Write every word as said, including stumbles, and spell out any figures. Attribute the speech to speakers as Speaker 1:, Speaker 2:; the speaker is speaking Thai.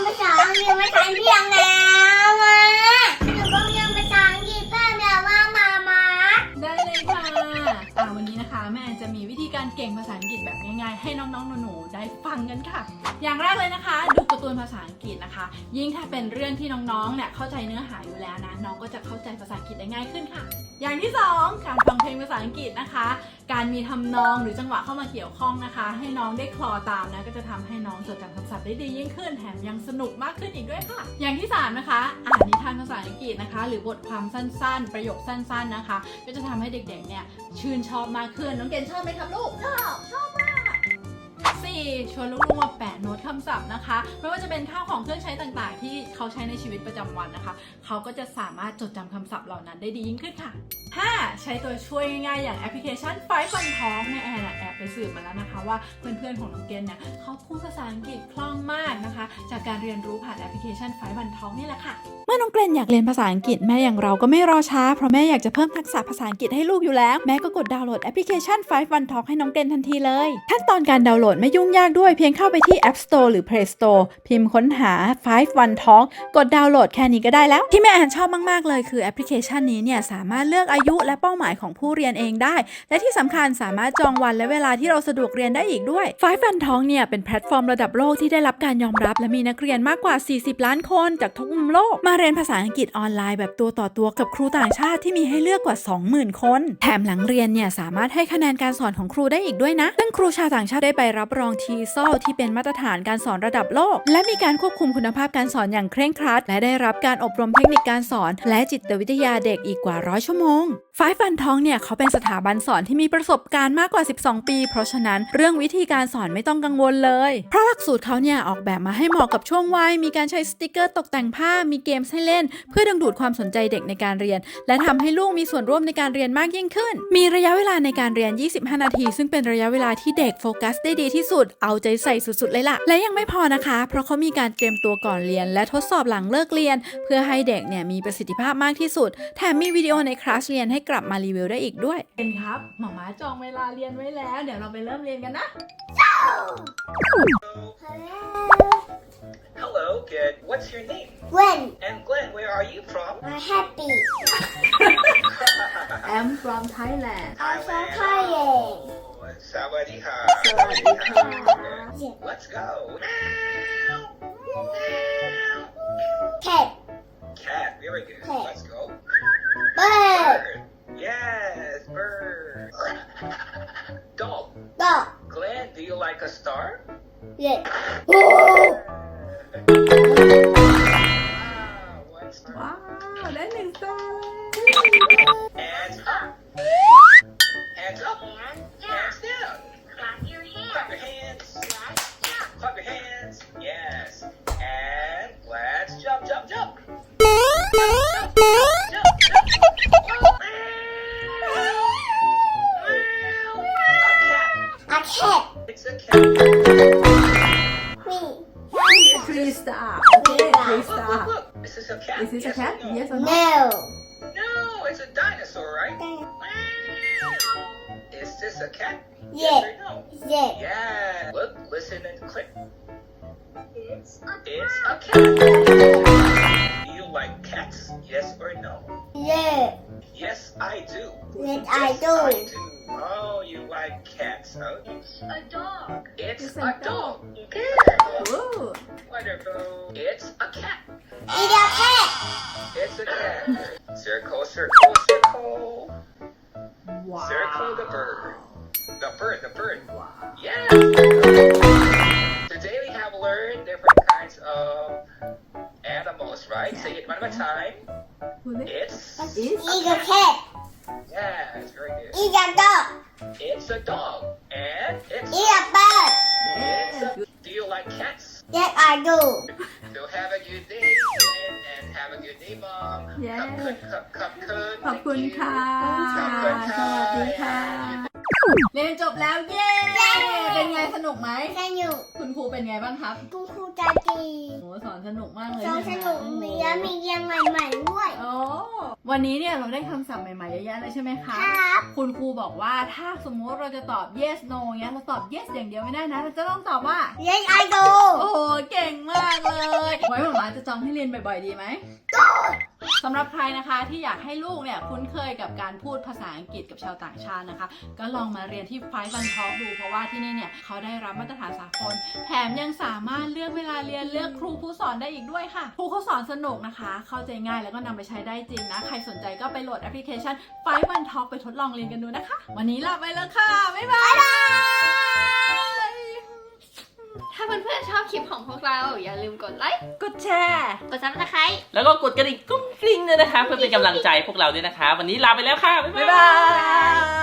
Speaker 1: ภาษาอังกฤษไม่ทันเพียงแล้วอ่ะหนูต้องเรียนภาษาอังกฤษเพิ่มแล้วว่ามามา
Speaker 2: ได้เลยค่ะอ่าวันนี้นะคะแม่จะมีวิธีการเก่งภาษาอังกฤษแบบง่ายๆให้น้องๆหนูๆได้ฟังกันค่ะอย่างแรกเลยนะคะดูการ์ตูนภาษาอังกฤษนะคะยิ่งถ้าเป็นเรื่องที่น้องๆเนี่ยเข้าใจเนื้อหาอยู่แล้วนะน้องก็จะเข้าใจภาษาอังกฤษได้ง่ายขึ้นค่ะอย่างที่สองการฟังเพลงภาษาอังกฤษนะคะการมีทำนองหรือจังหวะเข้ามาเกี่ยวข้องนะคะให้น้องได้คลอตามนะก็จะทำให้น้องจดจำคำศัพท์ได้ดียิ่งขึ้นแถมยังสนุกมากขึ้นอีกด้วยค่ะอย่างที่สามนะคะอ่านนิทานภาษาอังกฤษนะคะหรือบทความสั้นๆประโยคสั้นๆนะคะก็จะทำให้เด็กๆเนี่ยชื่นชอบมากขึ้นน้องเกณฑ์ชอบไหมครับลูกชอบชอบมากสี่ชวนลูกๆมาแปะโน้ตคำศัพท์นะคะไม่ว่าจะเป็นข้าวของเครื่องใช้ต่างๆที่เขาใช้ในชีวิตประจำวันนะคะเขาก็จะสามารถจดจำคำศัพท์เหล่านั้นได้ดียิ่งขึ้นค่ะห้าใช้ตัวช่วยง่ายๆอย่างแอปพลิเคชันไฟฟ์วันทอล์กแม่แอนแอบไปสืบมาแล้วนะคะว่าเพื่อนๆของน้องเกณฑ์เนี่ยเขาพูดภาษาอังกฤษคล่องมากนะคะจากการเรียนรู้ผ่านแอปพลิเคชันไฟฟ์วันทอล์กนี่แหละค่ะ
Speaker 3: เมื่อน้องเกรนอยากเรียนภาษาอังกฤษแม่อย่างเราก็ไม่รอช้าเพราะแม่อยากจะเพิ่มทักษะภาษาอังกฤษให้ลูกอยู่แล้วแม่ก็กดดาวน์โหลดแอปพลิเคชันไฟฟ์ วัน ทอล์ก ให้น้องเกรนทันทีเลยขั้นตอนการดาวน์โหลดไม่ยุ่งยากด้วยเพียงเข้าไปที่ App Store หรือ Play Store พิมพ์ค้นหาไฟฟ์ วัน ทอล์ก กดดาวน์โหลดแค่นี้ก็ได้แล้วที่แม่แอนชอบมากๆเลยคือแอปพลิเคชันนี้เนี่ยสามารถเลือกอายุและเป้าหมายของผู้เรียนเองได้และที่สำคัญสามารถจองวันและเวลาที่เราสะดวกเรียนได้อีกด้วยไฟฟ์ วัน ทอล์ก เนี่ยเป็นแพลตฟอร์มระดับโลกที่ได้รับการยอมรับและมีนักเรียนมากกว่าสี่สิบล้านคนจากทุกมุมโลกมาเรียนภาษาอังกฤษออนไลน์แบบตัวต่อตัวกับครูต่างชาติที่มีให้เลือกกว่า สองหมื่น คนแถมหลังเรียนเนี่ยสามารถให้คะแนนการสอนของครูได้อีกด้วยนะซึ่งครูชาวต่างชาติได้ไปรับรอง ที เอส โอ แอล ที่เป็นมาตรฐานการสอนระดับโลกและมีการควบคุมคุณภาพการสอนอย่างเคร่งครัดและได้รับการอบรมเทคนิคการสอนและจิตวิทยาเด็กอีกกว่าร้อยชั่วโมงไฟฟ์ วัน ทอล์ก เนี่ยเขาเป็นสถาบันสอนที่มีประสบการณ์มากกว่าสิบสองปีเพราะฉะนั้นเรื่องวิธีการสอนไม่ต้องกังวลเลยเพราะหลักสูตรเขาเนี่ยออกแบบมาให้เหมาะกับช่วงวัยมีการใช้สติกเกอร์ตกแต่งภาพมีเกมให้เล่นเพื่อดึงดูดความสนใจเด็กในการเรียนและทำให้ลูกมีส่วนร่วมในการเรียนมากยิ่งขึ้นมีระยะเวลาในการเรียนยี่สิบห้านาทีซึ่งเป็นระยะเวลาที่เด็กโฟกัสได้ดีที่สุดเอาใจใส่สุดๆเลยล่ะและยังไม่พอนะคะเพราะเขามีการเตรียมตัวก่อนเรียนและทดสอบหลังเลิกเรียนเพื่อให้เด็กเนี่ยมีประสิทธิภาพมากที่สุดแถมมีวิดีโอในคลาสเรียนให้กลับมารีวิวได้อีกด้วย
Speaker 2: เป็นครับหมอม้าจองเวลาเรียนไว้แล้วเดี๋ยวเราไปเริ่มเรียนกันนะ
Speaker 4: Hello, good. What's your name?
Speaker 1: Gwen
Speaker 4: And Glenn, where are you from?
Speaker 1: I'm happy
Speaker 2: I'm from Thailand
Speaker 1: I'm from Thailand
Speaker 4: Sawadee-ha.
Speaker 2: Sawadee-ha.
Speaker 4: Let's go.
Speaker 1: Cat
Speaker 4: Cat, very good.
Speaker 1: Cat.
Speaker 4: Let's go.
Speaker 1: Bird
Speaker 4: Yes, bird. Dog.
Speaker 1: Dog
Speaker 4: Glenn, do you like a star?
Speaker 1: Yeah Oh
Speaker 4: Wow, one star.
Speaker 2: ว้าวได้หนึ่งสตาร์
Speaker 4: Hands up. Hands up. Hands down.
Speaker 1: Clap your
Speaker 4: Clap your hands. Clap your hands. Yes. And let's jump, jump, jump. Jump, jump, jump. A cat.
Speaker 1: A cat
Speaker 4: It's a cat.
Speaker 1: Me
Speaker 2: three star โอเค three
Speaker 4: Look,
Speaker 2: star
Speaker 4: look, look. Is this a cat?
Speaker 2: Is this a
Speaker 4: Yes or
Speaker 2: cat
Speaker 4: no?
Speaker 2: Yes or no
Speaker 1: No
Speaker 4: No, it's a dinosaur, right? Is this a cat?
Speaker 1: Yeah.
Speaker 4: Yes or no?
Speaker 1: Yeah
Speaker 4: Yeah. Look, listen, and click.
Speaker 1: It's a
Speaker 4: It's a cat. Do you like cats? Yes or no?
Speaker 1: Yeah
Speaker 4: Yes, I do.
Speaker 1: Yes I do
Speaker 4: I do. Oh, you like cats, huh?
Speaker 1: It's a dog
Speaker 4: It's
Speaker 2: It's
Speaker 4: a
Speaker 2: a
Speaker 4: dog.
Speaker 2: Ooh.
Speaker 4: Wonderful. It's a cat.
Speaker 1: It's a cat
Speaker 4: It's a cat. Circle, circle, circle.
Speaker 2: Wow
Speaker 4: Circle the bird. The bird, the bird.
Speaker 2: Wow
Speaker 4: Yes. Today we have learned different kinds of animals, right? Say it one more time.
Speaker 2: Who next?
Speaker 4: It's
Speaker 2: Is
Speaker 4: a
Speaker 1: It's a
Speaker 4: cat.
Speaker 1: cat
Speaker 4: Yes, very good.
Speaker 1: It's a dog
Speaker 4: It's a dog. And it's
Speaker 1: It's a bird
Speaker 4: It's a, do you like cats?
Speaker 1: Yes I do
Speaker 4: So have a good day, Glenn, and have a good day, Mom.
Speaker 2: Yes.
Speaker 4: Cup, cup, cup, cup,
Speaker 2: ขอบคุณค่ะ
Speaker 4: ขอบคุณค่ะ
Speaker 2: สวัสดีค่ะเรียนจบแล้วเย้ เป็นไงสนุกไหม
Speaker 1: สนุก
Speaker 2: คุณครูเป็นไงบ้างครับ
Speaker 1: คุณครูใจดี
Speaker 2: โอ้สอนสนุกมากเลย
Speaker 1: สอนสนุกมีแล้วมีเรียงใหม่ๆด้วย
Speaker 2: โอ้วันนี้เนี่ยเราได้คำศัพท์ใหม่ๆเยอะแยะเลยใช่ไหมคะ
Speaker 1: ครับ
Speaker 2: คุณครูบอกว่าถ้าสมมติเราจะตอบ yes no เงี้ยเราตอบ yes อย่างเดียวไม่ได้นะ เราจะต้องตอบว่า
Speaker 1: เรียนไอโด
Speaker 2: โอ้โหเก่งมากเลย ไว้หมามาจะจองให้เรียนบ่อยๆดีไหมสำหรับใครนะคะที่อยากให้ลูกเนี่ยคุ้นเคยกับการพูดภาษาอังกฤษกับชาวต่างชาตินะคะ ก็ลองมาเรียนที่ไฟวันทอล์กดูเพราะว่าที่นี่เนี่ยเขาได้รับมาตรฐานสากลแถมยังสามารถเลือกเวลาเรียนเลือกครูผู้สอนได้อีกด้วยค่ะครูเขาสอนสนุกนะคะ เข้าใจง่ายแล้วก็นำไปใช้ได้จริงนะ ใครสนใจก็ไปโหลดแอปพลิเคชันไฟวันทอล์กไปทดลองเรียนกันดูนะคะ วันนี้ลาไปแล้วค่ะบ๊ายบาย
Speaker 5: ถ้าเพื่อนๆชอบคลิปของพวกเราอย่าลืมกดไลค์
Speaker 2: กดแชร์
Speaker 5: กดซับสไครต์
Speaker 6: แล้วก็กดกระดิ่งกุ้งกริ้งด้วยนะคะ เพื่อเป็นกำลังใจพวกเราด้วยนะคะ วันนี้ลาไปแล้วค่ะ บ๊าย
Speaker 2: บ๊าย
Speaker 6: บา
Speaker 2: บาย ย